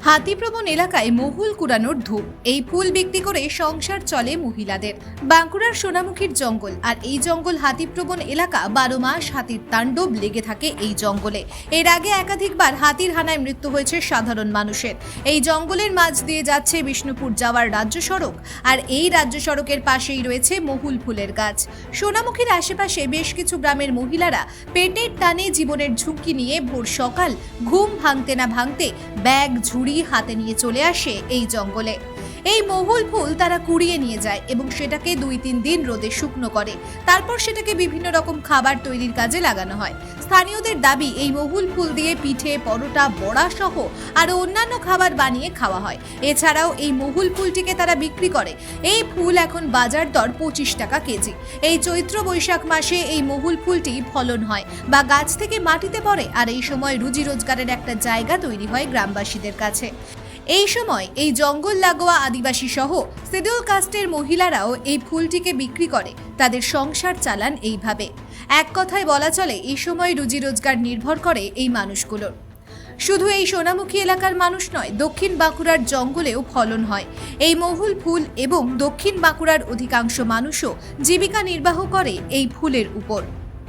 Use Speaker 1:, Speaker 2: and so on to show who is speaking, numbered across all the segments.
Speaker 1: হাতিপ্রবণ এলাকায় মহুল কুড়ানোর ধূপ। এই ফুল বিক্রি করে সংসার চলে মহিলাদের। বাঁকুড়ার সোনামুখীর জঙ্গল, আর এই জঙ্গল হাতিপ্রবণ এলাকা। 12 মাস হাতির তাণ্ডব লেগে থাকে এই জঙ্গলে। এর আগে একাধিকবার হাতির হানায় মৃত্যু হয়েছে সাধারণ মানুষের। এই জঙ্গলের মাঝ দিয়ে যাচ্ছে বিষ্ণুপুর যাওয়ার রাজ্য সড়ক, আর এই রাজ্য সড়কের পাশেই রয়েছে মহুল ফুলের গাছ। সোনামুখীর আশেপাশে বেশ কিছু গ্রামের মহিলারা পেটের টানে জীবনের ঝুঁকি নিয়ে ভোর সকাল ঘুম ভাঙতে না ভাঙতে ব্যাগ ঝুড়ি হাতে নিয়ে চলে আসে এই জঙ্গলে। এই মহুল ফুল তারা কুড়িয়ে নিয়ে যায় এবং সেটাকে 2-3 দিন রোদে শুকনো করে। তারপর সেটাকে বিভিন্ন রকম খাবার তৈরির কাজে লাগানো হয়। স্থানীয়দের দাবি, এই মহুল ফুল দিয়ে পিঠে, পরোটা, বড়া সহ আরো অন্যান্য খাবার বানিয়ে খাওয়া হয়। এছাড়াও এই মহুল ফুলটিকে তারা বিক্রি করে। এই ফুল এখন বাজার দর 25 টাকা কেজি। এই চৈত্র বৈশাখ মাসে এই মহুল ফুলটি ফলন হয় বা গাছ থেকে মাটিতে পড়ে, আর এই সময় রুজি রোজগারের একটা জায়গা তৈরি হয় গ্রামবাসীদের কাছে। এই সময় এই জঙ্গল লাগোয়া আদিবাসী সহ শিডিউল কাস্টের মহিলারাও এই ফুলটিকে বিক্রি করে তাদের সংসার চালান এইভাবে। এক কথায় বলা চলে, এই সময় রুজি রোজগার নির্ভর করে এই মানুষগুলোর। শুধু এই সোনামুখী এলাকার মানুষ নয়, দক্ষিণ বাঁকুড়ার জঙ্গলেও ফলন হয় এই মহুল ফুল এবং দক্ষিণ বাঁকুড়ার অধিকাংশ মানুষও জীবিকা নির্বাহ করে এই ফুলের উপর।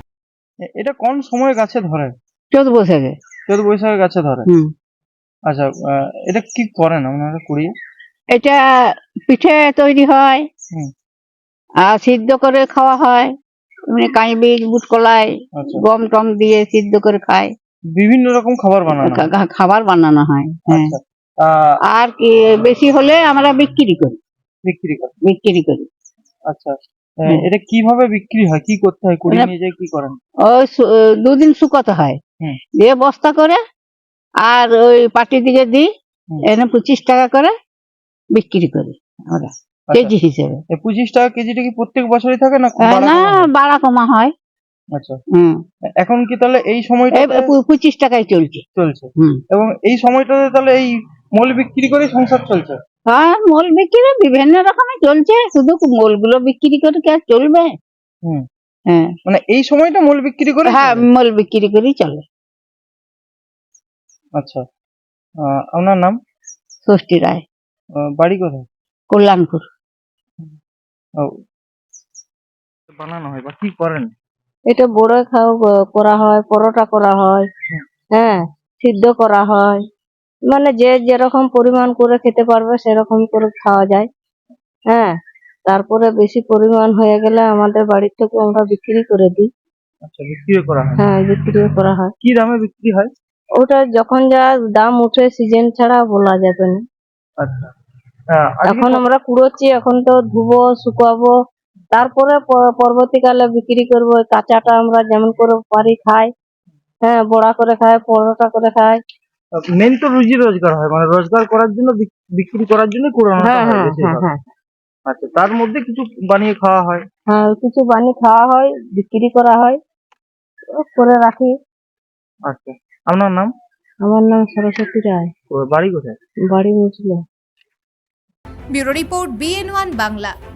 Speaker 2: এটা কোন সময় গাছে ধরে?
Speaker 3: চৈত বৈশাখে।
Speaker 2: চৈত বৈশাখে গাছে ধরে। আচ্ছা, এটা কি করেন আপনারা কুড়িয়ে?
Speaker 3: এটা পিঠে তৈরি হয়,
Speaker 2: হুম।
Speaker 3: আর সিদ্ধ করে খাওয়া হয়। এমনি কাঁই বীজ, বুট কলাই,
Speaker 2: আচ্ছা,
Speaker 3: গম টম দিয়ে সিদ্ধ করে খায়।
Speaker 2: বিভিন্ন রকম খাবার বানানো হয়।
Speaker 3: খাবার বানানো হয়। হ্যাঁ।
Speaker 2: আচ্ছা,
Speaker 3: আর কি বেশি হলে আমরা বিক্রি করি।
Speaker 2: বিক্রি করি। আচ্ছা, এটা কিভাবে বিক্রি হয়? কি করতে হয়? কুড়িয়ে নিয়ে যাই কি করেন?
Speaker 3: ওই 2 দিন শুকাতে হয়,
Speaker 2: হুম।
Speaker 3: দিয়ে বস্তা করে আর ওই পাটি দিকে দিই, এনে 25 টাকা করে বিক্রি করি আমরা কেজি হিসেবে।
Speaker 2: 25 টাকা কেজিটা কি প্রত্যেক বছরই থাকে না?
Speaker 3: না, বাড়া কমা হয়।
Speaker 2: আচ্ছা, এখন কি তাহলে এই সময়টা
Speaker 3: 25 টাকায় চলছে।
Speaker 2: এবং এই সময়টাতে তাহলে এই মূল বিক্রি করে সংসার চলছে?
Speaker 3: হ্যাঁ, মোল বিক্রি বিভিন্ন রকমের চলছে, শুধু মোল গুলো বিক্রি করে কি আর চলবে? হ্যাঁ,
Speaker 2: মানে এই সময়টা মূল বিক্রি করে?
Speaker 3: হ্যাঁ, মোল বিক্রি করেই চলে।
Speaker 2: আচ্ছা, আপনার নাম?
Speaker 3: ষষ্ঠী রায়।
Speaker 2: বাড়ি কোথায়?
Speaker 3: কল্যাণপুর।
Speaker 2: বানানো হয় বা কি করেন?
Speaker 3: এটা বড়া করা হয়, পরোটা করা হয়, হ্যাঁ, সিদ্ধ করা হয়। মানে যে যেরকম পরিমাণ করে খেতে পারবে সেরকম করে খাওয়া যায়। হ্যাঁ, তারপরে বেশি পরিমাণ হয়ে গেলে আমাদের বাড়ির থেকে আমরা বিক্রি করে দিই।
Speaker 2: আচ্ছা, বিক্রি করা হয়?
Speaker 3: হ্যাঁ, বিক্রি করা হয়।
Speaker 2: কি দামে বিক্রি হয়?
Speaker 3: ওটা যখন যা দাম উঠে, সিজন ছাড়া বলা যাবে না।
Speaker 2: আচ্ছা,
Speaker 3: এখন আমরা কুড়োচ্ছি, এখন তো ধুবো, শুকাবো, তারপরে পরবর্তীকালে বিক্রি করবো। কাঁচাটা আমরা যেমন করে পারি খাই, হ্যাঁ, বড়া করে খাই, পরোটা করে খাই।
Speaker 2: মেন তো রুজি রোজগার হয়, মানে রোজগার করার জন্য, বিক্রি করার জন্য কুড়ানো হয়।
Speaker 3: হ্যাঁ।
Speaker 2: আচ্ছা, তার মধ্যে কিছু বানিয়ে খাওয়া হয়?
Speaker 3: হ্যাঁ, কিছু বানিয়ে খাওয়া হয়, বিক্রি করা হয়, করে রাখি।
Speaker 2: আচ্ছা, আপনার নাম?
Speaker 3: আমার নাম সরস্বতী রায়।
Speaker 2: বাড়ি কোথায়?
Speaker 3: বাড়ি মুছলো।
Speaker 1: Bureau report, BN1 Bangla.